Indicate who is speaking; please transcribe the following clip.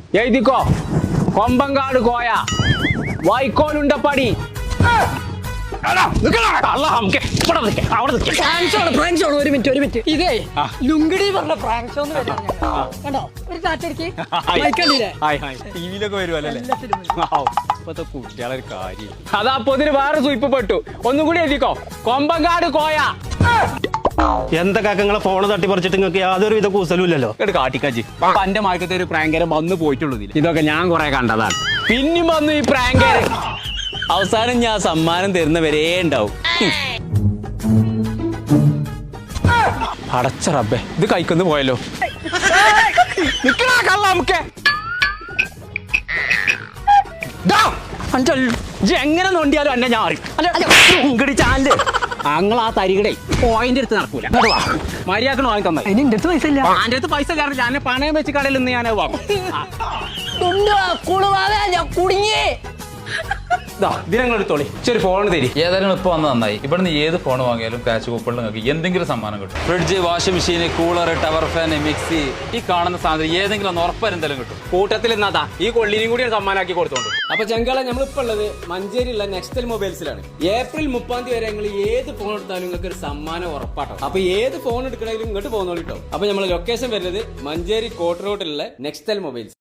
Speaker 1: എഴുതിക്കോ. കൊമ്പങ്കാട് കോയ, വൈക്കോലുണ്ടപ്പടി.
Speaker 2: ഒരു മിനിറ്റ് ഇതേ ലുങ്കിടി പറഞ്ഞ പ്രാങ്ക് ഷോ കണ്ടോ, ഒരു കാറ്റടിക്ക്
Speaker 3: ടിവിയിലൊക്കെ വരുമല്ലേ ഇപ്പത്തെ കുട്ടികളെ കാര്യം.
Speaker 1: അതാ പൊതിന് വേറെ സൂയിപ്പ് പെട്ടു. ഒന്നും കൂടി എഴുതിക്കോ. കൊമ്പങ്കാട് കോയ.
Speaker 4: എന്താ കാക്കങ്ങളെ ഫോണ് തട്ടിപ്പറിച്ചിട്ട് നിങ്ങൾക്ക് യാതൊരു വിധ കൂസലും ഇല്ലല്ലോ.
Speaker 1: കാട്ടിക്കാച്ചി എന്റെ മാർക്കത്തെ ഒരു പ്രാങ്കരം വന്നു പോയിട്ടുള്ളൂ. ഇതൊക്കെ ഞാൻ കുറെ കണ്ടതാണ്. പിന്നെയും വന്നു ഈ പ്രാങ്കര്.
Speaker 3: അവസാനം ഞാൻ സമ്മാനം തരുന്നവരേ ഉണ്ടാവും.
Speaker 1: അടച്ച റബ്ബേ, ഇത് കൈക്കൊന്ന് പോയല്ലോ. എങ്ങനെ നോണ്ടിയാലും എന്നെ ഞാൻ അറിയും. ചാനല് അങ്ങൾ ആ തരികടെ പോയിന്റ് എടുത്ത് നടക്കൂല. മര്യാദക്ക് വാങ്ങി തന്നെ.
Speaker 2: എന്റെ അടുത്ത് പൈസ ഇല്ല.
Speaker 1: എന്റെ അടുത്ത് പൈസ കാരണം ഞാൻ പണയം വെച്ച് കടയിൽ നിന്ന് ഞാൻ വാങ്ങും.
Speaker 2: കുടുങ്ങി
Speaker 1: ദിനങ്ങളെടുത്തോളി. ചെറിയ ഫോൺ തരി.
Speaker 3: ഏതായാലും ഇപ്പൊ വന്ന് നന്നായി. ഇവിടുന്ന് ഏത് ഫോൺ വാങ്ങിയാലും ക്യാഷ് കൂപ്പണിൽ നിങ്ങൾക്ക് എന്തെങ്കിലും സമ്മാനം കിട്ടും. Fridge, washing machine, cooler, tower fan, mixie, ഈ കാണുന്ന സാധനം ഏതെങ്കിലും ഒന്ന് ഉറപ്പാരെന്തെങ്കിലും കിട്ടും.
Speaker 1: കൂട്ടത്തിൽ നിന്നാ ഈ കൊള്ളിനും കൂടി സമ്മാനാക്കി കൊടുത്തോണ്ട്. അപ്പൊ ചെങ്കള നമ്മളിപ്പോ ഉള്ളത് മഞ്ചേരിയുള്ള നെക്സ്റ്റൽ മൊബൈൽസിലാണ്. ഏപ്രിൽ 30 വരെ നിങ്ങൾ ഏത് ഫോൺ എടുത്താലും നിങ്ങൾക്ക് ഒരു സമ്മാനം ഉറപ്പാട്ടോ. അപ്പൊ ഏത് ഫോൺ എടുക്കണമെങ്കിലും ഇങ്ങോട്ട് പോകുന്നോളിട്ടോ. അപ്പൊ നമ്മൾ ലൊക്കേഷൻ വരുന്നത് മഞ്ചേരി കോട്ട് റോഡിലുള്ള നെക്സ്റ്റൽ മൊബൈൽസ്.